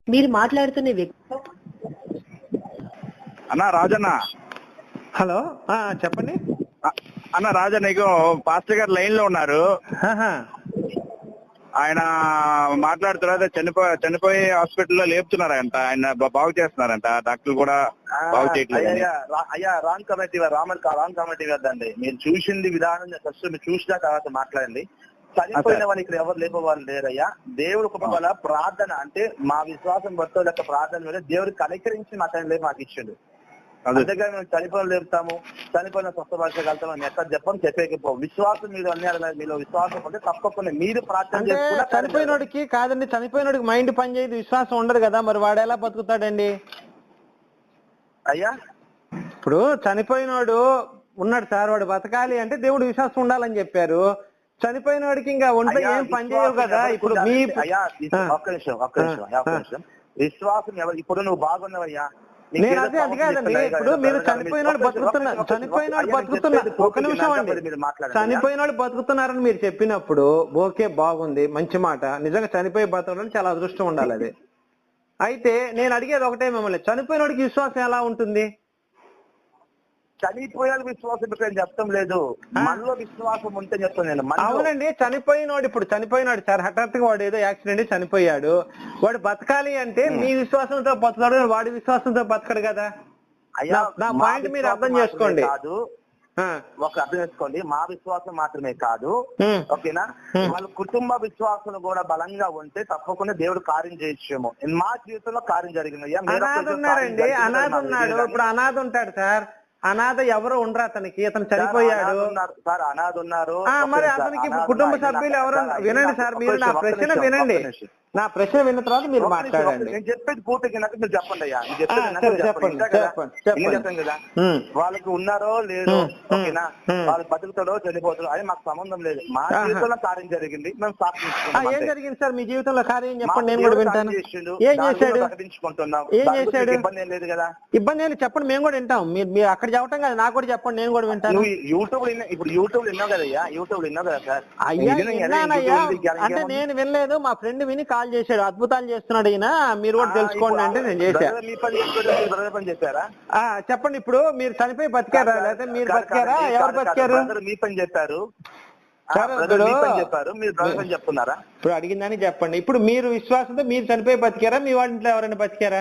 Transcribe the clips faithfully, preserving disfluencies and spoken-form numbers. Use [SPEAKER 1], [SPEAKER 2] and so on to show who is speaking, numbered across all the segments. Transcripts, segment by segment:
[SPEAKER 1] మీరు మాట్లాడుతున్న వ్యక్తి
[SPEAKER 2] అన్న రాజన్న.
[SPEAKER 3] హలో చెప్పండి
[SPEAKER 2] అన్న రాజన్న, నీకు పాస్టర్ గారు లైన్ లో ఉన్నారు. ఆయన మాట్లాడుతున్నారు. చనిపోయి చనిపోయి హాస్పిటల్లో లేపుతున్నారంట, ఆయన బాగు చేస్తున్నారంట. డాక్టర్లు కూడా బాగు చేయట్లేదు.
[SPEAKER 4] అయ్యా wrong committee Raman wrong committee కదండి. మీరు చూసింది విధానం ఫస్ట్ మీరు చూసిన తర్వాత మాట్లాడండి. చనిపోయిన వాళ్ళు ఇక్కడ ఎవరు లేపే వాళ్ళు లేరయ్యా. దేవుడు కృప వల్ల ప్రార్థన అంటే మా విశ్వాసం భక్తుల యొక్క ప్రార్థన మీద దేవుడు కనికరించి మాకు లేపు మాకు ఇచ్చిండు. అందుకే మేము చనిపోయిన లేపుతాము, చనిపోయిన స్వస్థపరచగలుగుతాం అని ఎక్కడ చెప్పం చెప్పేకపో. విశ్వాసం మీరు అన్ని మీలో విశ్వాసం ఉంటే తప్పకుండా మీరు ప్రార్థన చేసుకుంటే.
[SPEAKER 3] చనిపోయినోడికి కాదండి, చనిపోయినోడికి మైండ్ పనిచేయదు, విశ్వాసం ఉండదు కదా, మరి వాడు ఎలా బతుకుతాడండి?
[SPEAKER 4] అయ్యా
[SPEAKER 3] ఇప్పుడు చనిపోయినోడు ఉన్నాడు సార్, వాడు బతకాలి అంటే దేవుడు విశ్వాసం ఉండాలని చెప్పారు. చనిపోయిన వాడికి ఇంకా ఒంట్లో ఏం పని చేయవు కదా. ఇప్పుడు మీ
[SPEAKER 4] అయ్యా ఒక్క నిమిషం ఒక్క నిమిషం ఒక్క నిమిషం విశ్వాసం ఎవరు ఇప్పుడు నువ్వు బాగున్నావయ్యా.
[SPEAKER 3] నేను అదే అది కాదండి. ఇప్పుడు మీరు చనిపోయినాడు బతుకుతున్నారు, చనిపోయినాడు బతుకుతున్నారు ఒక నిమిషం అండి, చనిపోయినాడు బతుకుతున్నారని మీరు చెప్పినప్పుడు ఓకే బాగుంది, మంచి మాట. నిజంగా చనిపోయి బతకడం చాలా అదృష్టం ఉండాలి అది. అయితే నేను అడిగేది ఒకటే మిమ్మల్ని, చనిపోయినోడికి విశ్వాసం ఎలా ఉంటుంది?
[SPEAKER 4] చనిపోయాలి విశ్వాసం పెట్టని చెప్తాం లేదు, మనలో విశ్వాసం ఉంటే చెప్తాను నేను.
[SPEAKER 3] అవునండి, చనిపోయినోడు ఇప్పుడు చనిపోయినాడు సార్, హఠాత్తుగా వాడు ఏదో యాక్సిడెంట్ చనిపోయాడు, వాడు బతకాలి అంటే మీ విశ్వాసంతో బతకాడు, వాడి విశ్వాసంతో బతకడు కదా. నా పాయింట్ మీరు అర్థం చేసుకోండి.
[SPEAKER 4] కాదు ఒక అర్థం చేసుకోండి, మా విశ్వాసం మాత్రమే కాదు ఓకేనా, వాళ్ళ కుటుంబ విశ్వాసం కూడా బలంగా ఉంటే తప్పకుండా దేవుడు కార్యం చేయొచ్చేమో. మా జీవితంలో కార్యం జరిగింది.
[SPEAKER 3] అనాథ ఉన్నారండి, అనాథ ఉన్నాడు. ఇప్పుడు అనాథ ఉంటాడు సార్, అనాథ ఎవరు ఉండరు అతనికి, అతను చనిపోయాడు
[SPEAKER 4] సార్. అనాథ ఉన్నారు
[SPEAKER 3] మరి అతనికి కుటుంబ సభ్యులు ఎవరు? వినండి సార్, మీరు నా ప్రశ్న వినండి, నా ప్రశ్న విన్న తర్వాత మీరు మాట్లాడండి.
[SPEAKER 4] నేను చెప్పేది పూర్తిగా మీరు చెప్పండి అయ్యా.
[SPEAKER 3] చెప్పండి
[SPEAKER 4] కదా వాళ్ళకి ఉన్నారో లేదో ఓకేనా, వాళ్ళు బతుకుతాడో చనిపోతాడో అది మాకు సంబంధం లేదు. మా జీవితంలో కార్యం జరిగింది, మేము సాక్షించుకుంటాం.
[SPEAKER 3] ఏం జరిగింది సార్ మీ జీవితంలో కార్యం? చెప్పండి, నేను కూడా వింటాను. ఏం చేశాడు?
[SPEAKER 4] ప్రకటించుకుంటున్నాం.
[SPEAKER 3] ఏం చేశాడు?
[SPEAKER 4] ఇబ్బంది ఏం లేదు కదా.
[SPEAKER 3] ఇబ్బంది ఏం చెప్పండి, మేము కూడా వింటాం. మీరు మీరు అక్కడ చెప్పటం కదా, నాకు కూడా చెప్పండి, నేను కూడా వింటాను.
[SPEAKER 4] యూట్యూబ్ ఇప్పుడు యూట్యూబ్ విన్నావు కదయ్యా, యూట్యూబ్ విన్నావు కదా సార్.
[SPEAKER 3] అయ్యా విన్నానయ్యా, అంటే నేను వినలేదు, మా ఫ్రెండ్ విని కాల్ చేశాడు, అద్భుతాలు చేస్తున్నాడు ఈయన, మీరు కూడా తెలుసుకోండి అంటే నేను చేశాను. చెప్పండి, ఇప్పుడు మీరు చనిపోయి బతికారా లేకపోతే మీరు బతికారా? ఎవరు బతికారు?
[SPEAKER 4] మీ పని చెప్పారు
[SPEAKER 3] చెప్పారు
[SPEAKER 4] మీరు చెప్తున్నారా?
[SPEAKER 3] ఇప్పుడు అడిగిందని చెప్పండి. ఇప్పుడు మీరు విశ్వాసంతో మీరు చనిపోయి బతికారా, మీ వాళ్ళ ఇంట్లో ఎవరైనా బతికారా?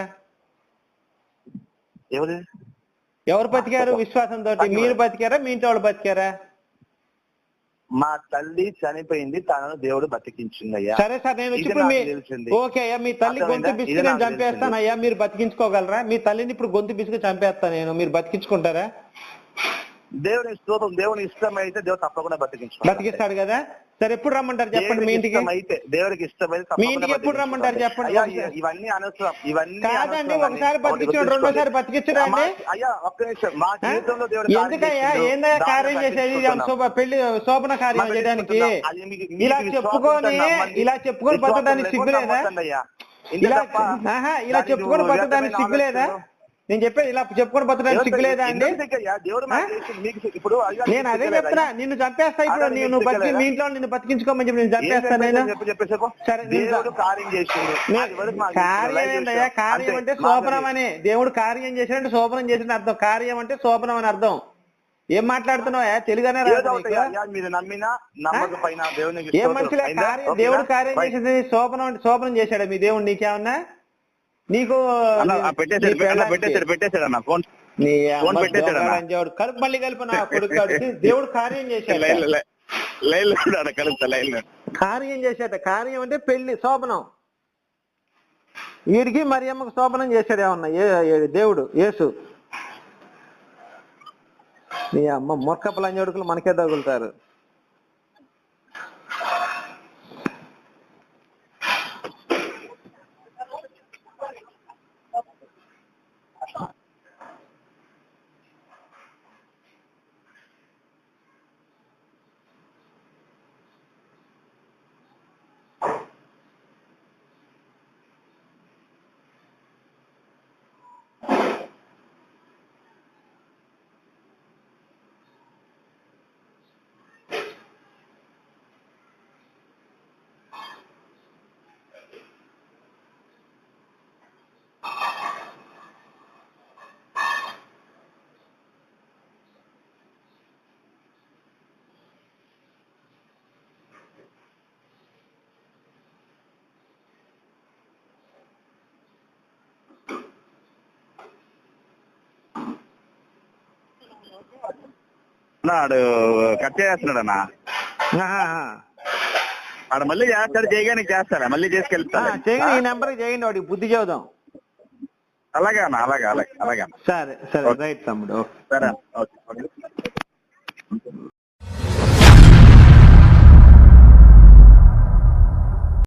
[SPEAKER 4] ఎవరు
[SPEAKER 3] ఎవరు బతికారు విశ్వాసంతో? మీరు బతికారా, మీ ఇంట్లో వాళ్ళు బతికారా?
[SPEAKER 4] మా తల్లి చనిపోయింది, తనను దేవుడు బతికించిందయ్యా.
[SPEAKER 3] సరే సార్, నేను వచ్చి ఓకే అయ్యా, మీ తల్లి గొంతు బిస్కు నేను చంపేస్తాను అయ్యా, మీరు బతికించుకోగలరా? మీ తల్లిని ఇప్పుడు గొంతు బిస్కు చంపేస్తాను నేను, మీరు బతికించుకుంటారా?
[SPEAKER 4] దేవుని స్తోత్రం, దేవుని ఇష్టం అయితే దేవుడు తప్పకుండా బతికించుకుంటాడు,
[SPEAKER 3] బతికిస్తాడు కదా. సరే ఎప్పుడు రమ్మంటారు చెప్పండి మీ ఇంటికి?
[SPEAKER 4] అయితే దేవుడికి ఇష్టమైతే
[SPEAKER 3] మీ ఇంటికి ఎప్పుడు రమ్మంటారు చెప్పండి?
[SPEAKER 4] ఇవన్నీ అనవసరం, ఇవన్నీ
[SPEAKER 3] కాదండి, ఒకసారి బతికించాడు, రెండోసారి బతికించడా అండి?
[SPEAKER 4] అయ్యా ఒక్క నిమిషం, మా జీవితంలో దేవుడు
[SPEAKER 3] ఎందుకయ్యా ఏందయ్యా కార్యం చేసేది? పెళ్లి శోభన కార్యం చేయడానికి ఇలా చెప్పుకొని ఇలా చెప్పుకొని బతకడానికి సిగ్గులేదా? ఇలా ఇలా చెప్పుకొని బతకడానికి సిగ్గులేదా? నేను చెప్పేది ఇలా చెప్పుకొని బతకడానికి సిగ్గులేదా అండి? నేను అదే చెప్తున్నా, నిన్ను చంపేస్తా ఇప్పుడు. నేను బతికి మీ ఇంట్లో నిన్ను బతికించుకోమని చెప్పి నేను చంపేస్తాను నేను. కార్యం ఏంటయ్యా? కార్యం అంటే శోభనం అని, దేవుడు కార్యం చేసినట్టు శోభనం చేసిన అర్థం. కార్యం అంటే శోభనం అని అర్థం. ఏం మాట్లాడుతున్నావా? తెలుగునే ఏం మనుషులే కార్యం, దేవుడు కార్యం చేసేది శోభనం అంటే శోభనం చేశాడు మీ దేవుడు నీకేమన్నా? నీకు కలుపు మళ్ళీ కలిపి నా కొడుకు దేవుడు కార్యం చేశాడు, కార్యం చేశాట. కార్యం అంటే పెళ్లి శోభనం. వీడికి మరియమ్మకు శోభనం చేశాడు ఏమన్నా దేవుడు యేసు? నీ అమ్మ మొక్కపు లంజోడుకులు మనకే తగులుతారు.
[SPEAKER 2] ఆడు కట్ చేస్తున్నాడు అన్న.
[SPEAKER 3] ఆహాహా.
[SPEAKER 2] ఆడు మళ్ళీ చేస్తాడు, చేయగానే చేస్తాడా మళ్ళీ చేసుకెళ్తాడు.
[SPEAKER 3] ఆ, చేయండి, ఈ నెంబర్ చేయండి, వాడికి బుద్ధి చెబుదాం.
[SPEAKER 2] అలాగే అన్న, అలాగే అలాగే అలాగే అన్న.
[SPEAKER 3] సరే సరే, రైట్ తమ్ముడు.
[SPEAKER 2] సరే ఓకే.